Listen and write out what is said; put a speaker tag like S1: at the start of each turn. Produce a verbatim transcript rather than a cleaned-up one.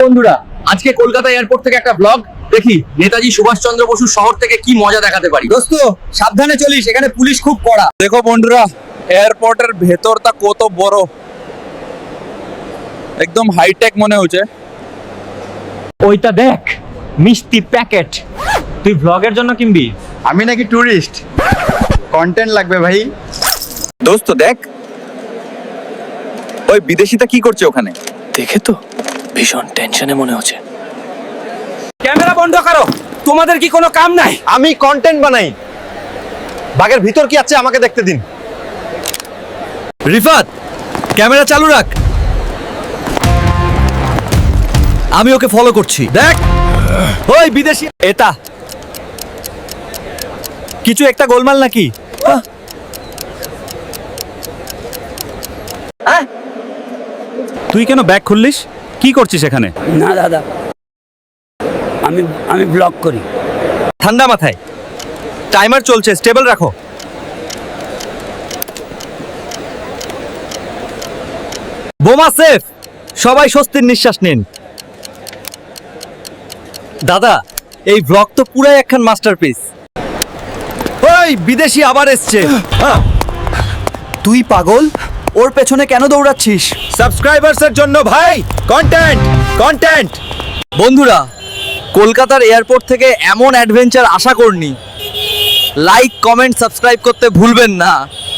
S1: বন্ধুরা, আজকে কলকাতা এয়ারপোর্ট থেকে একটা ব্লগ দেখি নেতাজি সুভাষচন্দ্র বসু শহর থেকে কি মজা দেখাতে পারি। দোস্ত সাবধানে চলিস, এখানে পুলিশ খুব কড়া।
S2: দেখো বন্ধুরা, এয়ারপোর্টের ভেতরটা কত বড়, একদম হাইটেক মনে হচ্ছে।
S3: ওইটা দেখ, মিষ্টি প্যাকেট। তুই ব্লগের জন্য কিনবি?
S4: আমি নাকি টুরিস্ট, কন্টেন্ট লাগবে ভাই।
S2: দোস্ত দেখ, ওই বিদেশিটা কি করছে ওখানে?
S5: দেখে তো ভীষণ টেনশনে মনে হচ্ছে।
S3: ক্যামেরা বন্ধ করো, তোমাদের কি কোনো কাম নাই?
S4: আমি কন্টেন্ট বানাই, বাগের ভিতর কি আছে আমাকে দেখতে দিন।
S6: রিফাত, ক্যামেরা চালু রাখ, আমি ওকে ফলো করছি। দেখ ওই বিদেশি, এটা কিছু একটা গোলমাল নাকি? তুই কেন ব্যাগ খুললিস? কি করছিস এখানে?
S7: না দাদা, আমি আমি ব্লগ করি।
S6: ঠান্ডা মাথায়, টাইমার চলছে, স্টেবল রাখো। বোমা সেফ, সবাই স্বস্তির নিঃশ্বাস নিন। দাদা, এই ব্লগ তো পুরাই একখান মাস্টারপিস। ওই বিদেশি আবার এসছে। তুই পাগল, ওর পেছনে কেন দৌড়াচ্ছিস? সাবস্ক্রাইবার্সের জন্য ভাই, কন্টেন্ট কন্টেন্ট। বন্ধুরা, কলকাতার এয়ারপোর্ট থেকে এমন অ্যাডভেঞ্চার আশা করিনি। লাইক, কমেন্ট, সাবস্ক্রাইব করতে ভুলবেন না।